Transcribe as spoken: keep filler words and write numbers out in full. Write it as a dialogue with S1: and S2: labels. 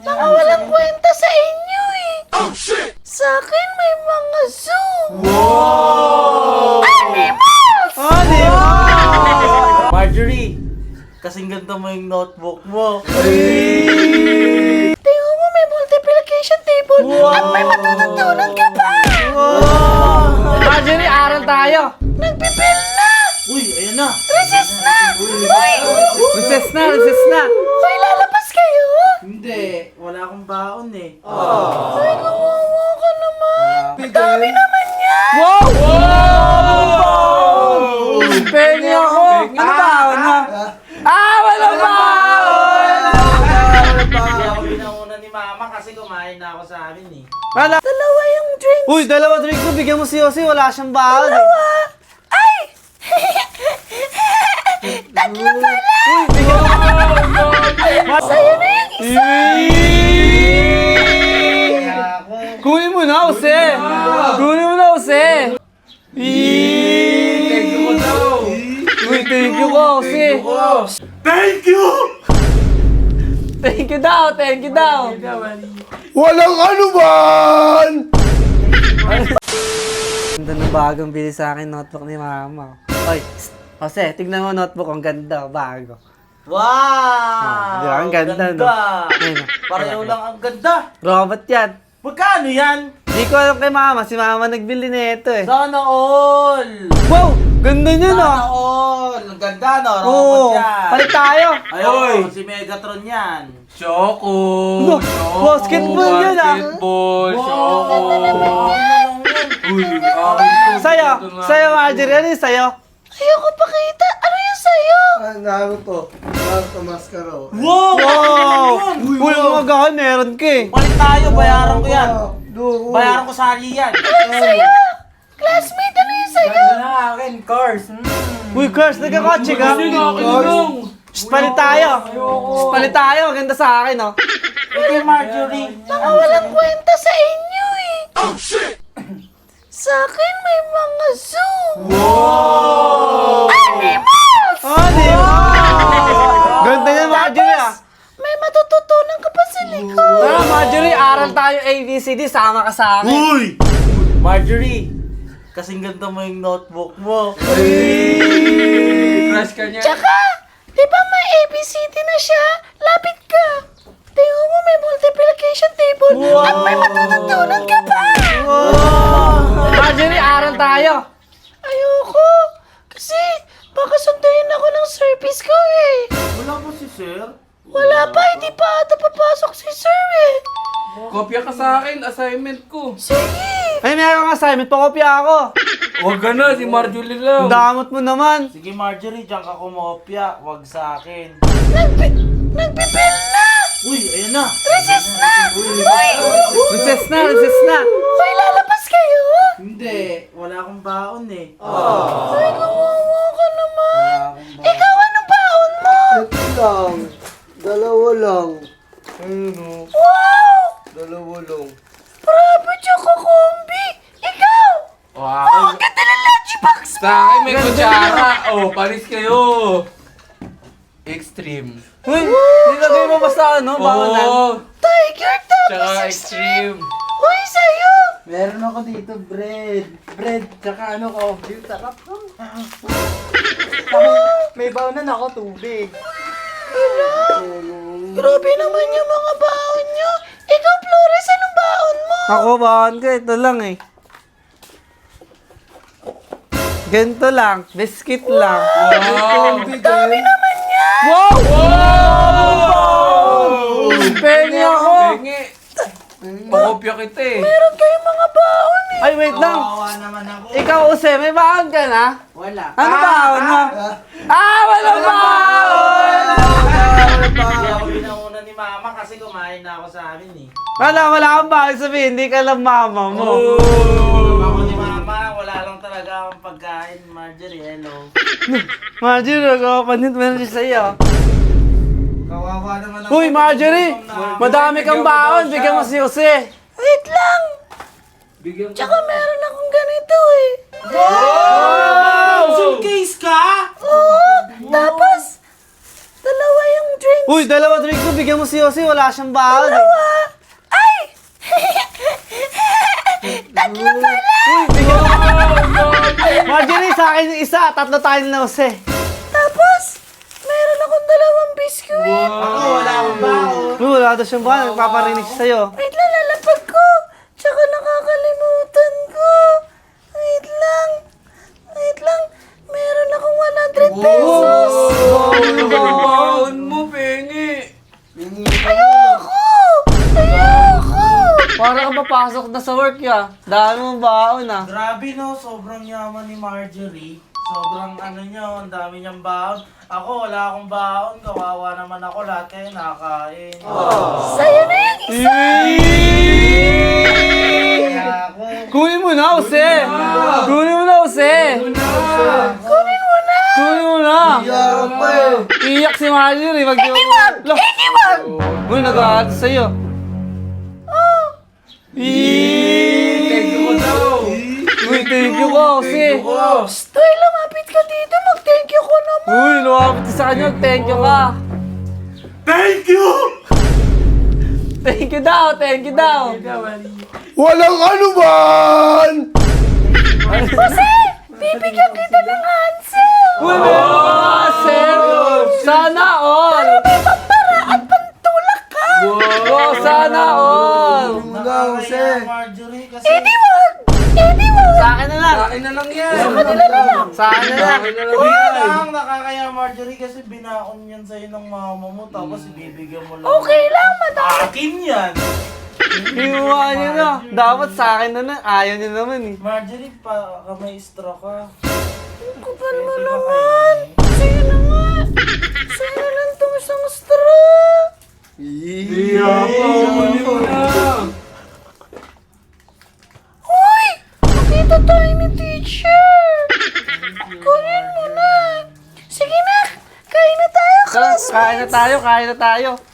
S1: Mga walang kwenta sa inyo eh. Oh, shit! Sa akin may mga zoo.
S2: Wow!
S1: Animals!
S2: Animals! Marjorie, kasing ganda mo yung notebook mo.
S1: Tingnan mo, may multiplication table at may matututunan ka pa.
S2: Wow!
S3: Marjorie, aral tayo.
S1: Nagpipil na.
S2: Uy, ayan na.
S1: Recess na. Uy!
S3: Recess na, recess na.
S1: May lalabas kayo.
S2: Hindi, wala akong baon eh.
S1: Ay, kawawa ka naman. Dami naman yan.
S3: Wow! Wow! Pengi ako. Ano ba? Ano? Ah, wala ba?
S2: Hindi ako binauna ni mama kasi kumain na ako sa amin eh.
S3: Wala.
S1: Dalawa yung drinks.
S3: Uy, dalawa drink mo. Bigyan mo si Yossi. Wala siyang baon. eh.
S1: Ay! Tatlo pala.
S3: Uy, bigyan mo.
S1: Sa'yo na yung isa.
S2: Kaya ako.
S3: Kunin mo na, Jose. Kunin mo na, Jose. Thank you ko daw. Uy, thank you ko, Jose.
S2: Thank you!
S3: Thank you daw, thank you daw.
S4: Walang anuman!
S3: Ganda ng bagong bili sa akin notebook ni Mama. Oy, psst, Jose, tignan mo notebook. Ang ganda, bago.
S2: Wow!
S3: Ah, di ba? Ang ganda, no? Ayun, oh.
S2: Pareho lang ang ganda.
S3: Robot yan.
S2: Magkano yan?
S3: Di ko alam kay Mama. Si Mama nagbili na ito eh.
S2: Sana all!
S3: Wow! Ganda niya, no?
S2: Sana all! Ang ganda, no? Robot
S3: Oo,
S2: yan.
S3: palit tayo.
S2: Ayun, si Megatron yan.
S5: Choco!
S3: No, basketball yun, ah.
S5: Basketball!
S2: Wow!
S5: Choco! Uy,
S3: Sa'yo, sa'yo, Marjorie. Ano yung sa'yo?
S1: Ayoko pakita. Ano yung sa'yo?
S4: Ah, Naruto. Naruto Mascaro.
S2: Wow!
S3: Wow!
S2: Uy,
S3: Uy, mga gahan, meron ka eh.
S2: Palit tayo, bayaran ko yan.
S4: Do.
S2: Bayaran ko sa Ali yan.
S1: Ano yung sa'yo? Classmate, ano yung sa'yo?
S5: Ganda na akin, cars!
S3: Uy, Kurs, nagkakotse ka? Shh, palit tayo. Shh, palit tayo. Ganda sa akin, oh.
S2: Okay, Marjorie.
S1: Mga walang kwenta sa inyo eh. Oh, shit! Sa akin may mga zoo. Animals!
S3: Oh, di ba? Ganda niya, Marjorie, ah.
S1: May matututunan ka pa sa likod.
S3: Tara, Marjorie, aral tayo A B C D. Sama ka sa akin.
S2: Uy! Marjorie, kasing ganda mo yung notebook mo.
S5: Crush ka niya?
S1: Tsaka, di ba may A B C D na siya? Lapit ka. Tingnan mo, may multiplication table at may matututunan ka pa.
S3: Marjorie, aral tayo.
S1: Ayoko. Kasi, baka sunduin ako ng service ko eh.
S2: Wala po si Sir.
S1: Wala pa, hindi pa ata papasok si sir eh.
S5: Kopya ka sa akin, assignment ko.
S1: Sige.
S3: Ay, meron kang assignment. Pakopya ako.
S5: Huwag ka na, si Marjorie lang.
S3: Ang damot mo naman.
S2: Sige, Marjorie, diyan ka kumopya. Wag sa akin.
S1: Nagpi nagpipil na.
S2: Uy, ayan na.
S1: Recess na. Uy.
S3: Recess na, recess na.
S1: May lalabas kayo.
S2: Hindi, wala akong baon eh.
S1: Ay, kawawa ka naman. Ikaw, ano baon mo?
S4: Ito lang. Dalawa lang. Ano?
S1: Wow.
S4: Dalawa lang.
S1: Bravo, Choco Combi. Ikaw.
S5: Wow!
S1: Oh, ang ganda ng lunchbox mo.
S5: Sa akin may kutsara. Oh, palis kayo. Extreme.
S3: Uy, nilagay mo ba sa ano? Baonan?
S5: Oo.
S1: Tiger
S5: Tsaka
S1: tapos
S5: extreme.
S1: Uy, sa'yo.
S2: Meron ako dito, bread. Bread, tsaka ano, coffee. Sarap. May baonan ako, tubig.
S1: Grabe naman yung mga baon nyo. Ikaw, Flores, anong baon mo?
S3: Ako, baon ka. Ito lang eh. Ganito lang. Biscuit lang.
S5: Wow!
S1: Dami naman yan.
S3: Wow! Wow! Pengi ako.
S5: Pengi. Pakopya kita eh.
S1: Meron kayong mga baon eh.
S3: Ay, wait lang.
S2: Kawawa naman ako.
S3: Ikaw, Jose, may baon ka na?
S2: Wala.
S3: Ano baon mo? Ah, wala baon!
S2: Hindi ako binauna ni mama kasi kumain na ako sa amin eh.
S3: Wala, wala kang baon sabihin. Hindi ka lang mama mo.
S2: Ako ni mama, wala lang talaga akong pagkain. Marjorie, hello.
S3: Marjorie, nagkapanit mo na siya sa'yo.
S2: Kawawa naman ako.
S3: Uy, Marjorie! Madami kang baon. Bigyan mo si Jose.
S1: Wait lang.
S5: Bigyan
S1: Tsaka meron akong ganito eh.
S2: Wow! Pencil case ka?
S1: Oo. Tapos, dalawa yung drinks.
S3: Uy, dalawa drinks mo. Bigyan mo si Yossi. Wala siyang baon. eh.
S1: Dalawa. Ay! Tatlo pala!
S3: Uy, bigyan mo. Marjorie, sa akin yung isa. Tatlo tayo na Jose.
S1: Tapos, meron akong dalawang biskuit.
S2: Ako, wala akong baon.
S3: Uy, wala daw siyang baon. Nagpaparinig siya sa'yo.
S1: Wait lang, lalapag ko. Tsaka nakakalimutan ko. Wait lang. Wait lang. Meron akong one hundred pesos.
S5: Baon mo, pengi.
S1: Ayoko! Ayoko!
S3: Para ka papasok na sa work ya. Dami mong baon ah.
S2: Grabe no, sobrang yaman ni Marjorie. Sobrang ano niya, ang dami niyang baon. Ako, wala akong baon. Kawawa naman ako, lahat kayo nakakain.
S1: Sa'yo na yung isa!
S2: Kaya ako,
S3: Kunin mo na, Jose. Kunin mo na, Jose.
S1: Kunin mo na!
S3: Kunin mo na.
S4: Iyak pa eh.
S3: Iyak si Marjorie. Wag
S1: Hindi wag! Hindi wag!
S3: Uy, nag-aato sa'yo.
S1: Oh!
S5: Thank you ko daw.
S3: Uy, thank you ko, Jose.
S1: Stoy, lumapit ka dito. Mag-thank you ko naman.
S3: Uy, lumapit ka sa kanya. Thank you ka.
S2: thank you!
S3: Thank you daw, thank you daw.
S4: Walang anuman!
S1: Jose! Bibigyan kita ng hansel!
S3: Uy, meron ka nga, sir. Sana all.
S1: May pampara at pantulak ka!
S3: Wow, sana all.
S2: Nakakaya Marjorie kasi...
S1: Eh di wag! Eh di wag!
S3: Sa akin na lang.
S5: Akin na lang yan.
S3: Sa akin na lang.
S5: Akin na lang
S2: Hindi
S5: yan.
S2: lang, nakakaya Marjorie kasi binaon yan sa'yo ng mama mo tapos ibibigyan mo lang.
S1: Okay lang, madami.
S2: Akin yan!
S3: Hinuha niyo na. Dapat sa akin na lang. Ayaw niyo naman eh.
S2: Marjorie, pa ka may straw ka.
S1: Kupal mo naman! Sa'yo na nga! Sa'yo na lang itong isang straw!
S5: Kunin mo na.
S1: Uy! Nakita tayo ni teacher! Kunin mo na! Sige na! Kain na tayo,
S3: Tara,
S1: classmates!
S3: kain na tayo, kain na tayo.